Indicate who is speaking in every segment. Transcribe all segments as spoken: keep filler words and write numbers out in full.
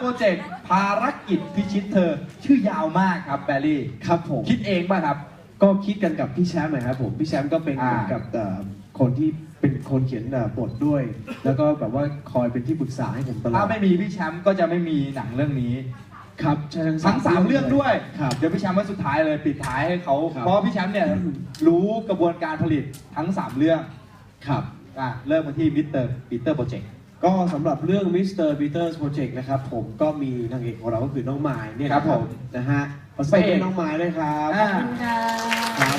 Speaker 1: โปรเจกต์ภารกิจพิชิตเธอชื่อยาวมากครับแบรี่
Speaker 2: ครับผม
Speaker 1: คิดเองป่ะครับ
Speaker 2: ก็คิดกันกับพี่แชมป์นะครับผมพี่แชมป์ก็เป็นเหมือนกับคนที่เป็นคนเขียนบทด้วย แล้วก็แบบว่าคอยเป็นที่ปรึกษาให้ผมตลอด
Speaker 1: ถ้าไม่มีพี่แชมป์ก็จะไม่มีหนังเรื่องนี้
Speaker 2: ครับ
Speaker 1: ทั้งสามเรื่องด้วย
Speaker 2: ครับ
Speaker 1: เดี๋ยวพี่แชมป์ไว้สุดท้ายเลยปิดท้ายให้เขา
Speaker 2: ครับ
Speaker 1: เพราะพี่แชมป์เนี่ยรู้กระบวนการผลิตทั้งสามเรื่อง
Speaker 2: ครับ
Speaker 1: อ่ะเริ่มมาที่มิสเตอร์ปีเตอร์โปรเจกต์
Speaker 2: ก็สำหรับเรื่อง มิสเตอร์ Peter's Project นะครับผมก็มีนางเอกของเราก็คือน้องไม้เนี่ยครับผมนะฮะขอเสียงน้องไม้ด้วยครับ
Speaker 1: อ่า
Speaker 2: ครับ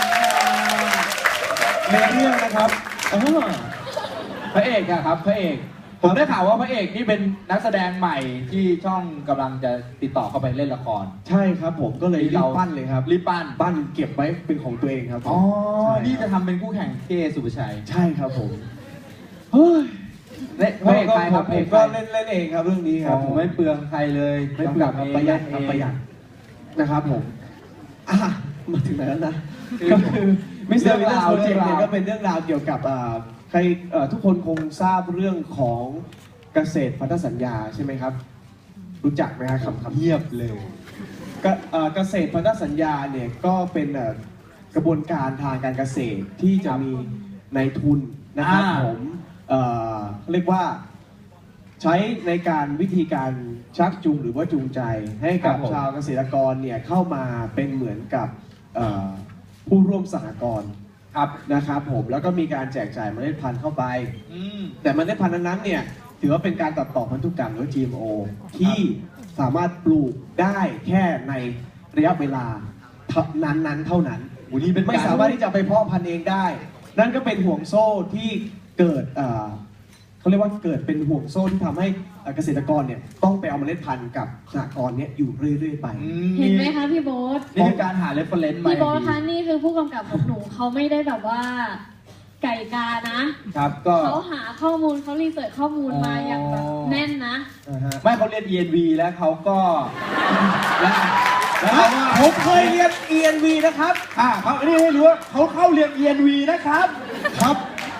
Speaker 2: ในเรื่องนะครับเออ
Speaker 1: พระเอกอะครับพระเอกผมได้ข่าวว่าพระเอกนี่เป็นนักแสดงใหม่ที่ช่องกำลังจะติดต่อเข้าไปเล่นละคร
Speaker 2: ใช่ครับผมก็เลยรีบปั้นเลยครับ
Speaker 1: รีบปั้น
Speaker 2: ปั้นเก็บไว้เป็นของตัวเองครับ
Speaker 1: อ๋อนี่จะทำเป็นคู่แข่งเก้สุภชัย
Speaker 2: ใช่ครับผมเฮ้ย
Speaker 1: พระเอกใครครับ
Speaker 2: ผมก็เล่นเล่นเองครับเรื่องนี้ครับ
Speaker 1: ผมไม่เปลืองใครเลย
Speaker 2: ไม่เปลืองประหยัดครับประหยัดนะครับผมอ่ะมาถึงไหนแล้วนะก็คือมิสเตอร์ Peter's Project เนี่ยก็เป็นเรื่องราวเกี่ยวกับใครทุกคนคงทราบเรื่องของเกษตรพันธสัญญาใช่ไหมครับรู้จักไหมครับคำ
Speaker 1: เงียบเลย
Speaker 2: เกษตรพันธสัญญาเนี่ยก็เป็นกระบวนการทางการเกษตรที่จะมีนายทุนนะครับผมเรียกว่าใช้ในการวิธีการชักจูงหรือว่าจูงใจให้กับชาวเกษตรกรเนี่ยเข้ามาเป็นเหมือนกับผู้ร่วมสหกรณ์ครับนะครับผมแล้วก็มีการแจกจ่ายเมล็ดพันธุ์เข้าไปแต่เมล็ดพันธุ์นั้นเนี่ยถือว่าเป็นการตัดต่อพันธุกรรมหรือ จี เอ็ม โอ ที่สามารถปลูกได้แค่ในระยะเวลานั้นๆเท่านั้นไม่สามารถที่จะไปเพาะพันธุ์เองได้นั่นก็เป็นห่วงโซ่ที่เกิดเขาเรียกว่าเกิดเป็นห่วงโซ่ที่ทำให้เกษตรกรเนี่ยต้องไปเอาเมล็ดพันธุ์กับสหกรณ์เนี่ยอยู่เรื่อยๆไป
Speaker 3: เห็นไหมคะพี่โบ๊ท
Speaker 1: นี่คือการหาเรฟเฟอเรนซ์
Speaker 3: พี่โบ๊ทคะนี่คือผู้กำกับของหนูเขาไม่ได้แบบว่าไก่กานะครับ
Speaker 1: ก็
Speaker 3: เขาหาข้อมูลเขารีเสิร์ชข้อมูลมาอย่างแบบแน่นนะ
Speaker 1: ไม่เขาเรียน อี เอ็น วี แล้วเขาก็
Speaker 2: แล้วผมเคยเรียน อี เอ็น วี นะครับ
Speaker 1: อ่าเขานี่ให้รู้ว่าเขาเข้าเรียน อี เอ็น วี นะครับ
Speaker 2: ครับ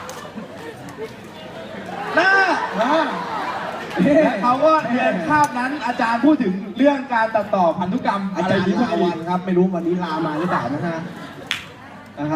Speaker 1: น่าแล้วเขาก็เรียนคาบนั้นอาจารย์พูดถึงเรื่องการตัดต่อพันธุกรรม
Speaker 2: อาจารย์ลาวันครับไม่รู้วันนี้ลามาหรือเปล่านะฮะ